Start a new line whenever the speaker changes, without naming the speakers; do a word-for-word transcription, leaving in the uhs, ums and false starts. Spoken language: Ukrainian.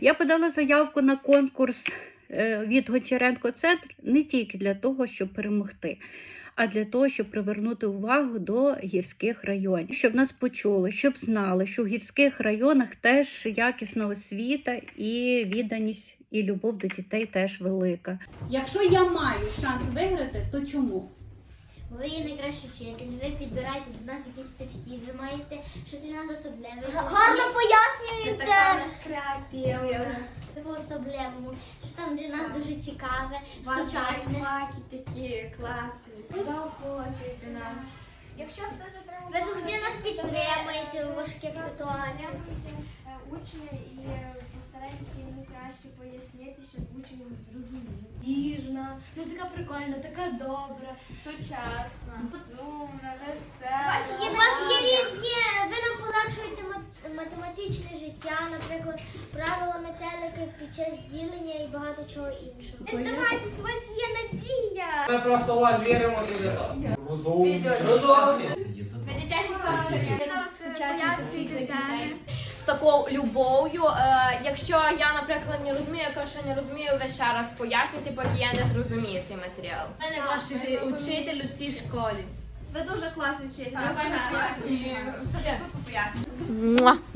Я подала заявку на конкурс від Гончаренко Центр не тільки для того, щоб перемогти, а для того, щоб привернути увагу до гірських районів. Щоб нас почули, щоб знали, що в гірських районах теж якісна освіта і відданість, і любов до дітей теж велика. Якщо я маю шанс виграти, то чому?
Ви є найкращий вчитель, ви підбираєте до нас якийсь підхід, ви маєте, що для нас особливе.
Гарно пояснюєте.
Ви по-особливому, що там для нас дуже цікаве,
Сучасне.
сучасне.
Такі класні. Заохочуєте нас. Якщо хтось отримав...
Ви завжди нас підтримуєте у важких ситуаціях.
Учня і постарайтеся йому краще пояснити, щоб учень зрозумів. Ніжна, ну така прикольна, така добра, сучасна, розумна, весела.
У вас є різні, ви нам полегшуєте мат- математичне життя, наприклад, правила метелики під час ділення і багато чого іншого.
Не здавайтесь, у вас є надія.
Ми просто у вас віримо дуже. Розумні. Розумні.
Пояснюйте теми.
З такою любов'ю. Е, якщо я, наприклад, не розумію, я кажу, що не розумію, ви ще раз пояснюйте, поки я не зрозумію цей матеріал.
У мене ваш учитель у цій школі. Ви дуже класний вчитель.
Муа.